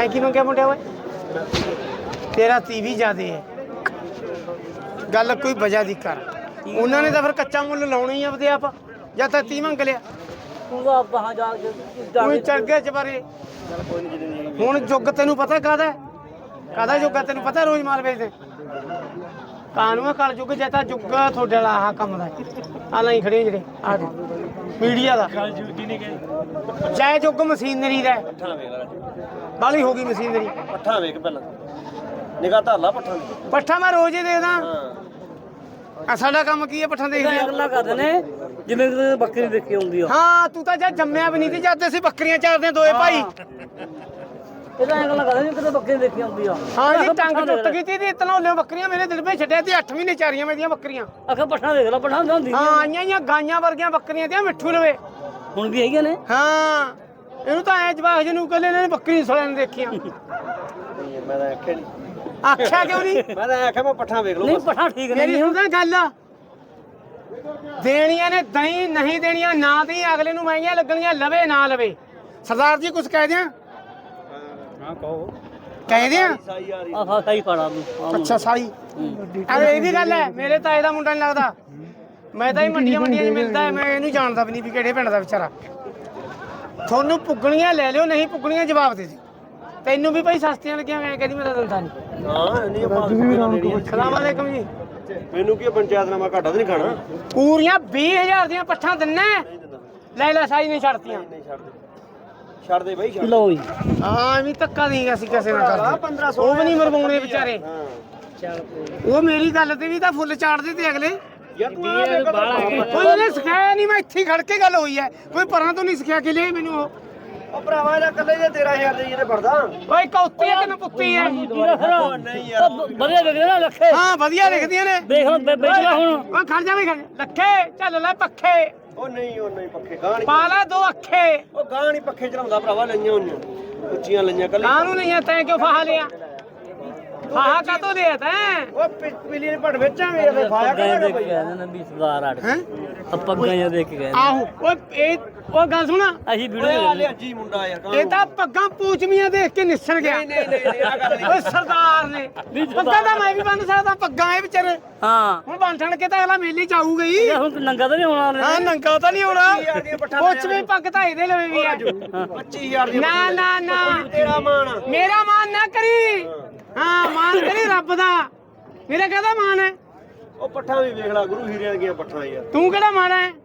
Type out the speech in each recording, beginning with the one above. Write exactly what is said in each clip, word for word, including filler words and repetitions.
ਤੈਂ ਕੀ ਮੰਗਿਆ ਮੁੰਡਿਆ ਓਏ ਤੇਰਾ ਤੀਵੀ ਜ਼ਿਆਦੇ ਹੈ ਗੱਲ ਕੋਈ ਵਜ੍ਹਾ ਦੀ ਕਰ ਉਹਨਾਂ ਨੇ ਤਾਂ ਫਿਰ ਕੱਚਾ ਮੁੱਲ ਲਾਉਣਾ ਹੀ ਆਪਦੇ ਆਪ ਜਾਂ ਤਾਂ ਤੀ ਮੰਗ ਲਿਆ ਤੂੰ ਤਾਂ ਬਾਹਾਂ ਜਾ ਕੇ ਕੋਈ ਚੜ ਗਿਆ ਚਬਾਰੇ ਹੁਣ ਜੁੱਗ ਤੈਨੂੰ ਪਤਾ ਕਾਹਦਾ ਕਾਹਦਾ ਜੁੱਗ ਆ ਤੈਨੂੰ ਪਤਾ ਰੋਜ਼ ਮਾਲ ਵੇਚਦੇ ਕਾਨੂੰਨ ਕਲ ਜੁੱਗ ਜੇ ਤਾਂ ਜੁੱਗ ਤੁਹਾਡੇ ਵਾਲਾ ਆਹ ਕੰਮ ਦਾ ਆ ਲਈ ਖੜੇ ਜਿਹੜੇ ਆ ਮੀਡੀਆ ਦਾ ਜੈ ਜੁੱਗ ਮਸ਼ੀਨਰੀ ਦਾ ਬਾਲੀ ਹੋ ਗਈ ਮਸ਼ੀਨਰੀ ਪੱਠਾ ਵੇਖ ਪਹਿਲਾਂ ਨਿਗਾਹ ਧਰ ਲਾ ਪੱਠਾ ਦੀ ਪੱਠਾ ਮੈਂ ਰੋਜ਼ ਹੀ ਦੇਖਦਾ ਆ ਸਾਡਾ ਕੰਮ ਕੀ ਹੈ ਪੱਠਾ ਦੇਖਦੇ ਆ ਗੱਲਾਂ ਕਰਦੇ ਨੇ ਜਿਵੇਂ ਕਿ ਬੱਕਰੀ ਦੇਖੀ ਹੁੰਦੀ ਆ ਹਾਂ ਤੂੰ ਤਾਂ ਜਦ ਜੰਮਿਆ ਵੀ ਨਹੀਂ ਤੇ ਜਦ ਅਸੀਂ ਬੱਕਰੀਆਂ ਚਾਰਦੇ ਦੋਏ ਭਾਈ ਇਹਦਾ ਐਂ ਗੱਲਾਂ ਕਰਦੇ ਨੇ ਕਿਤੇ ਬੱਕਰੀ ਦੇਖੀ ਹੁੰਦੀ ਆ ਹਾਂ ਜੀ ਟੰਗ ਟੁੱਟ ਗਈ ਤੀ ਇਤਨਾ ਹੋਲੇ ਬੱਕਰੀਆਂ ਮੇਰੇ ਦਿਲ ਵਿੱਚ ਛੱਡਿਆ ਤੇ ਅੱਠ ਮਹੀਨੇ ਚਾਰੀਆਂ ਮੇਰੀਆਂ ਬੱਕਰੀਆਂ ਆਖੇ ਪੱਠਾ ਦੇਖ ਲੈ ਪੱਠਾ ਹੁੰਦੀ ਹਾਂ ਆਈਆਂ ਆਈਆਂ ਗਾਈਆਂ ਵਰਗੀਆਂ ਬੱਕਰੀਆਂ ਤੇ ਮਿੱਠੂ ਲਵੇ ਹੁਣ ਵੀ ਹੈਗੀਆਂ ਨੇ ਹਾਂ ਇਹਨੂੰ ਤਾਂ ਐ ਜਵਾਕ ਜਿਹਨੂੰ ਕੱਲੇ ਨੇ ਬੱਕਰੀ ਸੋਲਿਆਂ ਨੇ ਦੇਖੀਆਂ ਮੈਂ ਤਾਂ ਆਖਿਆ ਨਹੀਂ ਆਖਿਆ ਕਿਉਂ ਨਹੀਂ ਮੈਂ ਤਾਂ ਆਖਿਆ ਮੈਂ ਪੱਠਾ ਵੇਖ ਲਓ ਨਹੀਂ ਪੱਠਾ ਠੀਕ ਮੇਰੀ ਨਹੀਂ ਸੁਣਦਾ ਗੱਲ ਦੇਣੀਆਂ ਨੇ ਦਹੀਂ ਨਹੀਂ ਦੇਣੀਆਂ ਨਾ ਦੀ ਅਗਲੇ ਨੂੰ ਮਹਿੰਗੀਆਂ ਲੱਗਣੀਆਂ ਲਵੇ ਨਾ ਲਵੇ ਸਰਦਾਰ ਜੀ ਕੁਝ ਕਹਿ ਦਿਆਂ ਹਾਂ ਕਹੋ ਕਹਿ ਦਿਆਂ ਸਾਈ ਆ ਰਹੀ ਆਹ ਸਹੀ ਪੜਾ ਤੂੰ ਅੱਛਾ ਸਾਈ ਅਰੇ ਇਹ ਵੀ ਗੱਲ ਹੈ ਮੇਰੇ ਤਾਏ ਦਾ ਮੁੰਡਾ ਨਹੀਂ ਲੱਗਦਾ ਮੈਂ ਤਾਂ ਹੀ ਮੰਡੀਆਂ ਮੰਡੀਆਂ 'ਚ ਮਿਲਦਾ ਮੈਂ ਇਹਨੂੰ ਜਾਣਦਾ ਵੀ ਨਹੀਂ ਵੀ ਕਿਹੜੇ ਪਿੰਡ ਦਾ ਵਿਚਾਰਾ ਤੁਹਾਨੂੰ ਪੁੱਗਣੀਆਂ ਲੈ ਲਿਓ ਨਹੀਂ ਪੁੱਗਣੀਆਂ ਜਵਾਬ ਦੇ ਦਿਓ ਤੈਨੂੰ ਵੀ ਭਾਈ ਸਸਤੀਆਂ ਲੱਗੀਆਂ ਮੈਂ ਕਹਿੰਦੀ ਮੇਰਾ ਦੰਦਾ ਨਹੀਂ ਹਾਂ ਨਹੀਂ ਆਪਾਂ ਸਲਾਮ ਅਲੈਕਮ ਜੀ ਮੈਨੂੰ ਕੀ ਪੰਚਾਇਤ ਨਾਮਾ ਘਾਟਾ ਤਾਂ ਨਹੀਂ ਖਾਣਾ ਪੂਰੀਆਂ ਵੀਹ ਹਜ਼ਾਰ ਦੀਆਂ ਪੱਠਾਂ ਦਿੰਨਾ ਲੈ ਲੈ ਸਾਈ ਨਹੀਂ ਛੱਡਤੀਆਂ ਨਹੀਂ ਛੱਡ ਦੇ ਛੱਡ ਦੇ ਬਾਈ ਛੱਡ ਲਓ ਜੀ ਹਾਂ ਐਵੇਂ ਧੱਕਾ ਨਹੀਂ ਅਸੀਂ ਕਿਸੇ ਨਾਲ ਕਰਦੇ ਉਹ ਵੀ ਨਹੀਂ ਮਰਵਾਉਣੇ ਵਿਚਾਰੇ ਹਾਂ ਚੱਲ ਉਹ ਮੇਰੀ ਗੱਲ ਤੇ ਵੀ ਤਾਂ ਫੁੱਲ ਚਾੜਦੇ ਤੇ ਅਗਲੇ ਯਾਰ ਤੂੰ ਆ ਵੇਖ ਕੋਈ ਉਹਨੇ ਸਿਖਾਇਆ ਨਹੀਂ ਮੈਂ ਇੱਥੇ ਹੀ ਖੜ ਕੇ ਗੱਲ ਹੋਈ ਹੈ ਕੋਈ ਪਰਾਂ ਤੋਂ ਨਹੀਂ ਸਿਖਿਆ ਕਿ ਲੈ ਮੈਨੂੰ ਉਹ ਉਹ ਭਰਾਵਾ ਇਹਦਾ ਕੱਲੇ ਜੇ ਤੇਰਾਂ ਹਜ਼ਾਰ ਦੇ ਜਿਹਨੇ ਭਰਦਾ ਓਏ ਕੌਤੀ ਹੈ ਕਿ ਨਪੁੱਤੀ ਹੈ ਨਹੀਂ ਯਾਰ ਵਧੀਆ ਵਿਕਦੇ ਨਾ ਲੱਖੇ ਹਾਂ ਵਧੀਆ ਲਿਖਦੀਆਂ ਨੇ ਦੇਖ ਹੁਣ ਵੇਚ ਲੈ ਹੁਣ ਓ ਖੜ ਜਾ ਵੀ ਖੜ ਲੱਖੇ ਚੱਲ ਲੈ ਪੱਖੇ ਉਹ ਨਹੀਂ ਉਹ ਨਹੀਂ ਪੱਖੇ ਗਾਂ ਨਹੀਂ ਪਾ ਲੈ ਦੋ ਅੱਖੇ ਉਹ ਗਾਂ ਨਹੀਂ ਪੱਖੇ ਚਲਾਉਂਦਾ ਭਰਾਵਾ ਲਈਆਂ ਹੋਈਆਂ ਉੱਚੀਆਂ ਲਈਆਂ ਕੱਲੇ ਕਾਹਨੂੰ ਨਹੀਂ ਹੈ ਤੈਂ ਕਿਉਂ ਫਾਹਾ ਲਿਆ ਫਾਹਾ ਕਾਤੋਂ ਲਿਆ ਤੈਂ ਉਹ ਪਿਲੀ ਨੇ ਭੜ ਵੇਚਾਂਗੇ ਇਹਦੇ ਫਾਇਆ ਪੱਗਾਂ ਕਰਾਂਗੇ ਦੇਖ ਕੇ ਕਹਿੰਦੇ ਨੇ ਵੀ ਸਰਦਾਰ ਆੜ ਹੈ ਪੱਗਾਂ ਜਾਂ ਦੇਖ ਕੇ ਕਹਿੰਦੇ ਆਹੋ ਓਏ ਇਹ ਉਹ ਗੱਲ ਸੁਣਾ ਅਸੀਂ ਓਏ ਵੀਡੀਓ ਆ ਲਿਆ ਜੀ ਮੁੰਡਾ ਯਾਰ ਇਹ ਤਾਂ ਪੱਗਾਂ ਪੂਚਮੀਆਂ ਦੇਖ ਕੇ ਨਿਸਰ ਗਿਆ ਨਹੀਂ ਨਹੀਂ ਨਹੀਂ ਆ ਗੱਲ ਨਹੀਂ ਓਏ ਸਰਦਾਰ ਨੇ ਪੱਗਾਂ ਤਾਂ ਮੈਂ ਵੀ ਬੰਨ ਸਕਦਾ ਪੱਗਾਂ ਇਹ ਵਿਚਾਰੇ ਹਾਂ ਹੁਣ ਬੰਨ ਠਣ ਕੇ ਤਾਂ ਅਗਲਾ ਮੇਲੇ ਚ ਆਊਗਾ ਹੀ ਇਹ ਹੁਣ ਨੰਗਾ ਤਾਂ ਨਹੀਂ ਹੋਣਾ ਹਾਂ ਨੰਗਾ ਤਾਂ ਨਹੀਂ ਹੋਣਾ ਪੱਚੀ ਹਜ਼ਾਰ ਦੀਆਂ ਪੱਠਾਂ ਪੂਚਮੀ ਪੱਗ ਤਾਂ ਇਹਦੇ ਲਵੇ ਵੀ ਆ ਪੱਚੀ ਹਜ਼ਾਰ ਦੀ ਨਾ ਨਾ ਨਾ ਤੇਰਾ ਮਾਣ ਮੇਰਾ ਮਾਨ ਨਾ ਕਰੀ ਹਾਂ ਮਾਨ ਕਰੀ ਰੱਬ ਦਾ ਮੇਰਾ ਕਹਦਾ ਮਾਨ ਹੈ ਉਹ ਪੱਠਾਂ ਵੀ ਵੇਖ ਲੈ ਗੁਰੂ ਹੀਰਿਆਂ ਦੀਆਂ ਪੱਠਾਂ ਯਾਰ ਤੂੰ ਕਿਹੜਾ ਮਾਣਾ ਹੈ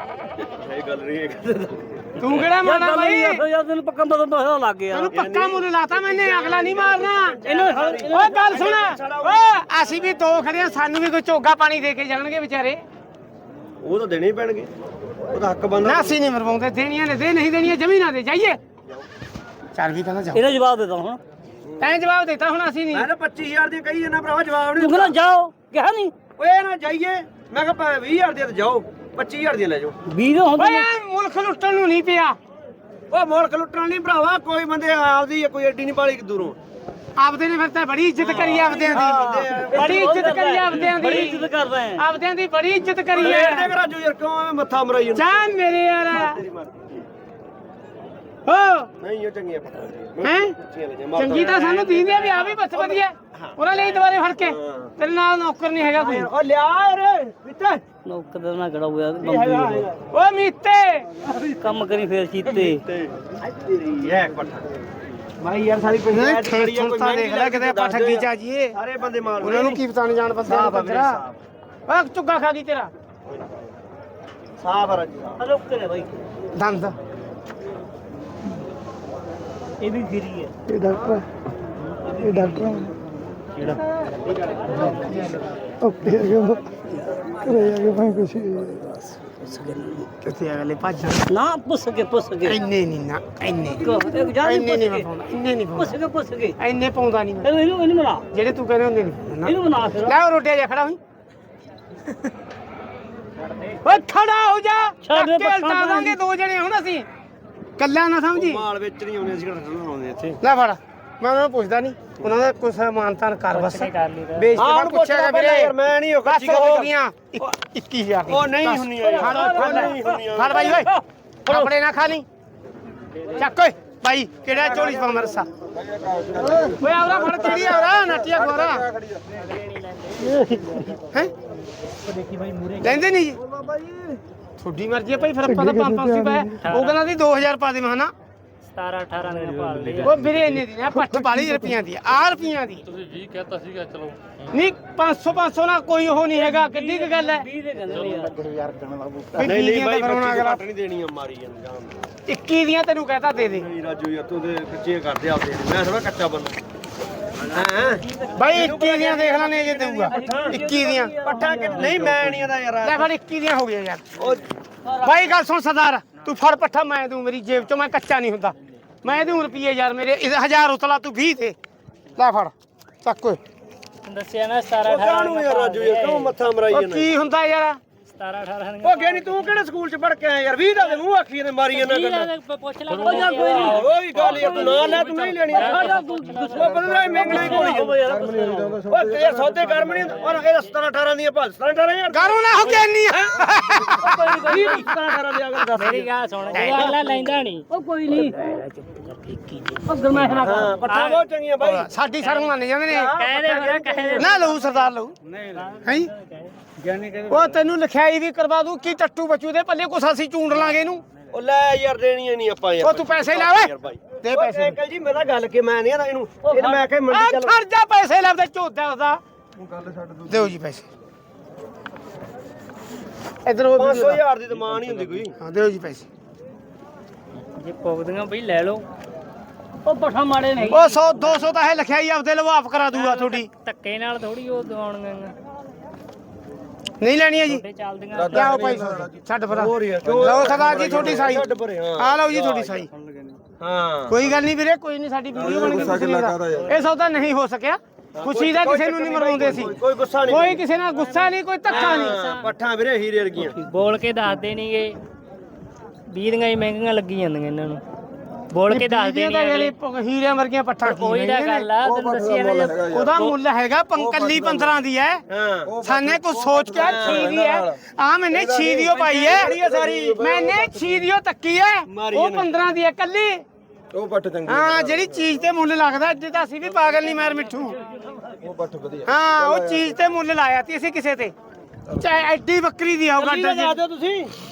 ਇਹ ਗੱਲ ਨਹੀਂ ਹੈ ਤੂੰ ਕਿਹੜਾ ਮਾਣਾ ਬਾਈ ਯਾਰ ਤੈਨੂੰ ਪੱਕਾ ਮਦਦ ਪਤਾ ਲੱਗ ਗਿਆ ਤੈਨੂੰ ਪੱਕਾ ਮੁੱਲ ਲਾਤਾ ਮੈਨੇ ਅਗਲਾ ਨਹੀਂ ਮਾਰਨਾ ਇਹਨੂੰ ਓਏ ਗੱਲ ਸੁਣ ਓਏ ਅਸੀਂ ਵੀ ਦੋ ਖੜੇ ਆ ਸਾਨੂੰ ਵੀ ਕੋਈ ਚੋਗਾ ਪਾਣੀ ਦੇ ਕੇ ਜਾਣਗੇ ਵਿਚਾਰੇ ਉਹ ਤਾਂ ਦੇਣੇ ਹੀ ਪੈਣਗੇ ਉਹਦਾ ਹੱਕ ਬਣਦਾ ਨਾ ਅਸੀਂ ਨਹੀਂ ਮਰਵਾਉਂਦੇ ਦੇਣੀਆਂ ਨੇ ਦੇ ਨਹੀਂ ਦੇਣੀਆਂ ਜ਼ਮੀਨਾਂ ਦੇ ਜਾਈਏ ਚੱਲ ਵੀ ਕਹਿੰਦਾ ਜਾ ਇਹਦਾ ਜਵਾਬ ਦੇ ਦਾਂ ਹੁਣ ਤੈਂ ਜਵਾਬ ਦਿੱਤਾ ਹੁਣ ਅਸੀਂ ਨਹੀਂ ਮੈਂ ਤਾਂ ਪੱਚੀ ਹਜ਼ਾਰ ਦੀ ਕਹੀ ਜਾਂਦਾ ਭਰਾਵਾ ਜਵਾਬ ਤੂੰ ਨਹੀਂ ਕਹਿੰਦਾ ਜਾਓ ਕਿਹਾ ਨਹੀਂ ਓਏ ਨਾ ਜਾਈਏ ਮੈਂ ਕਿਹਾ ਵੀਹ ਹਜ਼ਾਰ ਦੀ ਤੇ ਜਾਓ ਪੱਚੀ ਹਜ਼ਾਰ ਦੀ ਲੈ ਜਾਓ ਵੀਹ ਦਾ ਹੁੰਦਾ ਓਏ ਐ ਮੁਲਕ ਲੁੱਟਣ ਨੂੰ ਨਹੀਂ ਪਿਆ ਓਏ ਮੁਲਕ ਲੁੱਟਣ ਨਹੀਂ ਭਰਾਵਾ ਕੋਈ ਬੰਦੇ ਆਪਦੀ ਕੋਈ ਐਡੀ ਨਹੀਂ ਪਾਲੀ ਦੂਰੋਂ ਆਪਦੇ ਨੇ ਫਿਰ ਤਾਂ ਬੜੀ ਇੱਜ਼ਤ ਕਰੀ ਆਪਦਿਆਂ ਦੀ ਬੜੀ ਇੱਜ਼ਤ ਕਰੀ ਆਪਦਿਆਂ ਬੜੀ ਦੀ ਇੱਜ਼ਤ ਕਰਦਾ ਹੈ ਆਪਦਿਆਂ ਦੀ ਬੜੀ ਇੱਜ਼ਤ ਕਰੀ ਰੇਟ ਹੈ ਦੇ ਰਾਜੂ ਯਾਰ ਕਿਉਂ ਐਵੇਂ ਮੱਥਾ ਮਰਾਈ ਜਾਂਦਾ ਜਾ ਮੇਰੇ ਯਾਰ ਤੇਰੀ ਮਰਜ਼ੀ। ਹੋ ਨਹੀਂ ਉਹ ਚੰਗੀਆਂ ਪੱਠਾਂ ਹੈ ਅੱਛੀਆਂ ਲੱਗੀਆਂ ਮਾਤਾ ਚੰਗੀ ਤਾਂ ਸਾਨੂੰ ਦੀਂਦੇ ਵੀ ਆ ਵੀ ਬੱਸ ਵਧੀਆ ਉਹਨਾਂ ਲਈ ਦੁਬਾਰੇ ਫੜ ਕੇ ਤੇਰੇ ਨਾਲ ਨੌਕਰ ਨਹੀਂ ਹੈਗਾ ਕੋਈ ਓ ਲਿਆ ਰੇ ਮਿੱਤੇ ਨੌਕਰ ਦਾ ਨਾ ਗੜਾ ਹੋਇਆ ਬੰਬੀ ਓ ਮੀਤੇ ਕੰਮ ਕਰੀ ਫੇਰ ਚੀਤੇ ਤੇਰੀ ਹੈ ਪੱਠਾ ਭਾਈ ਯਾਰ ਸਾਰੀ ਪੰਚਾਇਤ ਖੜੀ ਆ ਕੋਈ ਤਾਂ ਦੇਖ ਲੈ ਕਿਤੇ ਆਪਾਂ ਠੱਗੀ ਚ ਆ ਜੀਏ ਸਾਰੇ ਬੰਦੇ ਮਾਰ ਉਹਨਾਂ ਨੂੰ ਕੀ ਪਤਾ ਨਹੀਂ ਜਾਣ ਬੰਦੇ ਨੂੰ ਤੇਰਾ ਓਏ ਚੁੱਗਾ ਖਾ ਗਈ ਤੇਰਾ ਸਾਫ ਆ ਰਾਜੂ ਰੁਕ ਕੇ ਭਾਈ ਦੰਦ ਇਹ ਵੀ ਗਿਰੀ ਹੈ ਇਹ ਡਾਕਟਰ ਇਹ ਡਾਕਟਰ ਕਿਹੜਾ ਓਕੇ ਆ ਗਿਆ ਕਰੇ ਆ ਗਿਆ ਭਾਈ ਕੁਛ ਕਿੱਥੇ ਅਗਲੇ ਭੱਜ ਨਾ ਪੁੱਛ ਕੇ ਪੁੱਛ ਕੇ ਇੰਨੇ ਨਹੀਂ ਨਾ ਇੰਨੇ ਇੱਕ ਜਾ ਇੰਨੇ ਨਹੀਂ ਪੁੱਛ ਪਾਉਂਦਾ ਇੰਨੇ ਨਹੀਂ ਪੁੱਛ ਪਾਉਂਦਾ ਕੇ ਪੁੱਛ ਕੇ ਇੰਨੇ ਪਾਉਂਦਾ ਨਹੀਂ ਮੈਂ ਇਹਨੂੰ ਇਹਨੂੰ ਬਣਾ ਜਿਹੜੇ ਤੂੰ ਕਹਿੰਦੇ ਹੁੰਦੇ ਨਹੀਂ ਇਹਨੂੰ ਬਣਾ ਫਿਰ ਲੈ ਉਹ ਰੋਟੀਆਂ ਜਾ ਖੜਾ ਹੋਈ ਓਏ ਖੜਾ ਹੋ ਜਾ ਛੱਡ ਦੇ ਧੱਕੇ ਉਲਟਾ ਦਾਂਗੇ ਦੋ ਜਣੇ ਹੁਣ ਅਸੀਂ ਕੱਲਾ ਨਾ ਸਮਝੀ ਮਾਲ ਵਿੱਚ ਨਹੀਂ ਆਉਣੇ ਅਸੀਂ ਕਿਹੜਾ ਆਉਂਦੇ ਇੱਥੇ ਲੈ ਫੜ ਮੈਂ ਉਹਨਾਂ ਨੂੰ ਪੁੱਛਦਾ ਨਹੀਂ ਉਹਨਾਂ ਦਾ ਕੁਛ ਮਾਨਤਾਨ ਕਰ ਬਸ ਬੇਇੱਜ਼ਤੀ ਹਾਂ, ਨਾਲ ਪੁੱਛਿਆਗਾ ਵੀਰੇ ਯਾਰ ਮੈਂ ਨਹੀਂ ਉਹ ਬਸ ਕੱਚੀ ਹੋ ਗੱਲ ਗਈਆਂ ਇੱਕੀ ਹਜ਼ਾਰ ਦੀ ਉਹ ਨਹੀਂ ਹੁੰਦੀਆਂ ਯਾਰ। ਫੜ ਓਏ, ਫੜ ਲੈ। ਨਹੀਂ ਹੁੰਦੀਆਂ। ਫੜ ਬਾਈ ਓਏ ਕੱਪੜੇ ਨਾ ਖਾ ਲਈ ਚੱਕ ਓਏ ਭਾਈ ਕਿਹੜਾ ਝੋਲੀ ਪਾ ਮਰਸਾ ਓਏ ਆਵਰਾ ਫੜ ਕਿਹੜੀ ਆਵਰਾ ਨਾਟੀਆ ਖਵਾਰਾ ਹੈ ਲੈਂਦੇ ਨਹੀਂ ਜੀ ਤੁਹਾਡੀ ਮਰਜ਼ੀ ਹੈ ਭਾਈ ਫਿਰ ਆਪਾਂ ਤਾਂ ਪੰਜ ਪੰਜ ਸੀ ਪਾਇਆ ਉਹ ਕਹਿੰਦਾ ਸੀ ਦੋ ਹਜ਼ਾਰ ਪਾ ਦੇ ਮੈਂ ਨਾ ਸਤਾਰਾਂ ਅਠਾਰਾਂ ਦੇ ਭਾਲ ਲਈ ਉਹ ਵੀਰੇ ਇੰਨੇ ਦੀ ਨਾ ਪੱਠ ਵਾਲੀ ਰੁਪਈਆਂ ਦੀ ਆ ਰੁਪਈਆਂ ਦੀ ਤੁਸੀਂ ਵੀਹ ਕਹਿਤਾ ਸੀਗਾ ਚਲੋ ਨਹੀਂ ਪੰਜ ਸੌ ਪੰਜ ਸੌ ਨਾਲ ਕੋਈ ਉਹ ਨਹੀਂ ਹੈਗਾ ਕਿੱਡੀ ਕੁ ਗੱਲ ਹੈ ਵੀਹ ਦੇ ਕਹਿੰਦੇ ਨੇ ਯਾਰ ਨਹੀਂ ਨਹੀਂ ਬਾਈ ਘੱਟ ਨਹੀਂ ਦੇਣੀ ਆ ਮਾਰੀ ਜਾਨ ਇੱਕੀ ਦੀਆਂ ਤੈਨੂੰ ਕਹਤਾ ਦੇ ਦੇ ਨਹੀਂ ਰਾਜੂ ਯਾਰ ਤੂੰ ਤੇ ਕੱਚੇ ਕਰਦੇ ਆਪਦੇ ਮੈਂ ਥੋੜਾ ਕੱਚਾ ਬੰਦਾ ਹਾਂ ਬਾਈ ਇੱਕੀ ਦੀਆਂ ਦੇਖ ਲੈਣੇ ਜੇ ਦੇਊਗਾ ਇੱਕੀ ਦੀਆਂ ਪੱਠਾ ਕਿ ਨਹੀਂ ਮੈਂ ਨਹੀਂ ਇਹਦਾ ਯਾਰ ਲੈ ਫੜ ਇੱਕੀ ਦੀਆਂ ਹੋ ਗਈਆਂ ਯਾਰ ਉਹ ਬਾਈ ਗੱਲ ਸੁਣ ਸਰਦਾਰ ਤੂੰ ਫੜ ਪੱਠਾ ਮੈਂ ਦੂੰ ਮੇਰੀ ਜੇਬ ਚੋਂ ਮੈਂ ਕੱਚਾ ਨਹੀਂ ਹੁੰਦਾ ਮੈਂ ਦੂੰ ਰੁਪਈਏ ਯਾਰ ਮੇਰੇ ਹਜ਼ਾਰ ਉਤਲਾ ਤੂੰ ਵੀਹ ਤੇ ਲੈ ਫੜ ਚੱਕ ਓਏ ਦੱਸਿਆ ਨਾ ਸਤਾਰਾਂ ਅਠਾਰਾਂ ਕਾਹਨੂੰ ਯਾਰ ਰਾਜੂ ਯਾਰ ਕਿਉਂ ਮੱਥਾ ਮਰਾਈ ਉਹ ਜਾਂਦਾ ਕੀ ਹੁੰਦਾ ਯਾਰ ਸਤਾਰਾਂ ਅਠਾਰਾਂ ਉਹ ਗਿਆ ਨਹੀਂ ਤੂੰ ਕਿਹੜੇ ਸਕੂਲ ਚ ਪੜ ਕੇ ਆਇਆ ਯਾਰ ਵੀਹ ਦਾ ਮੂੰਹ ਆਖੀ ਨੇ ਮਾਰੀ ਜਾਂਦਾ ਗੱਲ ਪੁੱਛ ਲੈ ਕੋਈ ਨਹੀਂ ਉਹ ਵੀ ਗੱਲ ਯਾਰ ਤੂੰ ਨਾ ਲੈ ਤੂੰ ਨਹੀਂ ਲੈਣੀ ਉਹ ਬੰਦਾ ਮਹਿੰਗਣੀ ਕੋਲੀ ਉਹ ਤੇਰੇ ਸੌਦੇ ਕਰਮ ਨਹੀਂ ਔਰ ਇਹ ਸਤਾਰਾਂ ਅਠਾਰਾਂ ਦੀਆਂ ਭਾਲ ਸਤਾਰਾਂ ਅਠਾਰਾਂ ਯਾਰ ਗਾਰੋਂ ਨਾ ਹੋ ਕੇ ਨਹੀਂ ਵੀਹ ਸਤਾਰਾਂ ਅਠਾਰਾਂ ਦੀ ਅਗਰ ਦੱਸ ਮੇਰੀ ਗੱਲ ਸੁਣ ਅਗਲਾ ਲੈਂਦਾ ਨਹੀਂ ਉਹ ਕੋਈ ਨਹੀਂ ਉਹ ਗਰਮੈਸ਼ ਨਾ ਹਾਂ ਪੱਠਾ ਬਹੁਤ ਚੰਗੀਆਂ ਬਾਈ ਸਾਡੀ ਸ਼ਰਮ ਮੰਨ ਜਾਂਦੇ ਨੇ ਕਹਿ ਦੇ ਮੇਰਾ ਕਹਿ ਦੇ ਨਾ ਲਊ ਸਰਦਾਰ ਲਊ ਹੈ ਉਹ ਤੈਨੂੰ ਲਿਖਾਈ ਵੀ ਕਰਵਾ ਦੂੰ ਕੀ ਟੱਟੂ ਬੱਚੂ ਦੇ ਪੱਲੇ ਕੁਛ ਅਸੀਂ ਚੂੰਡ ਲਾਂਗੇ ਇਹਨੂੰ ਉਹ ਲੈ ਯਾਰ ਦੇਣੀਆਂ ਨਹੀਂ ਆਪਾਂ ਯਾਰ ਉਹ ਤੂੰ ਪੈਸੇ ਲੈ ਓਏ ਦੇ ਪੈਸੇ ਅੰਕਲ ਜੀ ਮੇਰਾ ਗੱਲ ਕਿ ਮੈਂ ਨਹੀਂ ਇਹਨੂੰ ਇਹਨੂੰ ਮੈਂ ਕਿ ਆ ਮੰਡੀ ਚੱਲ ਖਰਜਾ ਪੈਸੇ ਲੱਭਦੇ ਝੋਦਾ ਉਹਦਾ ਦਿਓ ਜੀ ਪੈਸੇ ਇਧਰ ਉਹ ਪੰਜ ਸੌ ਹਜ਼ਾਰ ਦੀ ਤਾਂ ਨਹੀਂ ਹੁੰਦੀ ਕੋਈ ਹਾਂ ਦਿਓ ਜੀ ਪੈਸੇ ਜੇ ਪੁੱਗਦੀਆਂ ਬਈ ਲੈ ਲਓ ਉਹ ਪਠਾ ਮਾੜੇ ਨਹੀਂ ਉਹ ਸੌ ਦੋ ਸੌ ਤਾਂ ਇਹ ਲਿਖਾਈ ਆਪਦੇ ਲਵਾਫ ਕਰਾ ਦੂਗਾ ਤੁਹਾਡੀ ਧੱਕੇ ਨਾਲ ਥੋੜੀ ਉਹ ਦਵਾਉਣਗੇ ਨਹੀਂ ਲੈਣੀ ਹੈ ਜੀ ਤੇ ਚੱਲਦੀਆਂ ਲਿਆਓ ਭਾਈ ਛੱਡ ਫਰਾ ਹੋਰ ਯਾਰ ਲਓ ਸਰਦਾਰ ਜੀ ਤੁਹਾਡੀ ਸਾਈ ਛੱਡ ਪਰੇ ਹਾਂ ਆ ਲਓ ਜੀ ਤੁਹਾਡੀ ਸਾਈ ਹਾਂ ਕੋਈ ਗੱਲ ਨਹੀਂ ਵੀਰੇ ਕੋਈ ਨਹੀਂ ਸਾਡੀ ਵੀਡੀਓ ਬਣ ਗਈ ਕੁਛ ਨਹੀਂ ਦਾ ਇਹ ਸੌਦਾ ਨਹੀਂ ਹੋ ਸਕਿਆ ਖੁਸ਼ੀ ਦਾ ਕਿਸੇ ਨੂੰ ਨਹੀਂ ਮਰਵਾਉਂਦੇ ਸੀ ਕੋਈ ਗੁੱਸਾ ਨਹੀਂ ਕੋਈ ਕਿਸੇ ਨਾਲ ਗੁੱਸਾ ਨਹੀਂ ਕੋਈ ਧੱਕਾ ਨਹੀਂ ਪੱਠਾਂ ਵੀਰੇ ਹੀਰੇ ਵਰਗੀਆਂ ਬੋਲ ਕੇ ਦੱਸਦੇ ਨਹੀਂਗੇ ਵੀਹ ਦੀਆਂ ਹੀ ਮਹਿੰਗੀਆਂ ਲੱਗੀ ਜਾਂਦੀਆਂ ਇਹਨਾਂ ਨੂੰ ਬੋਲ ਕੇ ਦੱਸਦੇ ਤਾਂ ਨਹੀਂ ਜਿਹੜੇ ਹੀਰਿਆਂ ਵਰਗੀਆਂ ਪੱਠਾਂ ਕੀ ਕੋਈ ਦਾ ਗੱਲ ਆ ਤੈਨੂੰ ਦੱਸਿਆ ਨਾ ਜੇ ਉਹਦਾ ਮੁੱਲ ਹੈਗਾ ਪੰਕਲੀ ਪੰਦਰਾਂ ਦੀ ਹੈ ਹਾਂ ਸਾਨੇ ਕੁਝ ਸੋਚ ਕੇ ਛੀ ਦੀ ਹੈ ਆ ਮੈਨੇ ਛੀ ਦੀਓ ਪਾਈ ਹੈ ਸਾਰੀ ਮੈਨੇ ਛੀ ਦੀਓ ਤੱਕੀ ਹੈ ਉਹ ਪੰਦਰਾਂ ਦੀ ਹੈ ਕੱਲੀ ਉਹ ਪੱਠ ਚੰਗੀ ਹਾਂ ਜਿਹੜੀ ਚੀਜ਼ ਤੇ ਮੁੱਲ ਲੱਗਦਾ ਅੱਜ ਤਾਂ ਅਸੀਂ ਵੀ ਪਾਗਲ ਨਹੀਂ ਮਾਰ ਮਿੱਠੂ ਉਹ ਪੱਠ ਵਧੀਆ ਹਾਂ ਉਹ ਚੀਜ਼ ਤੇ ਮੁੱਲ ਲਾਇਆ ਤੀ ਅਸੀਂ ਕਿਸੇ ਤੇ ਚਾਹੇ ਐਡੀ ਬੱਕਰੀ ਦੀ ਆਉ ਗੱਡ ਦਿਓ ਤੁਸੀਂ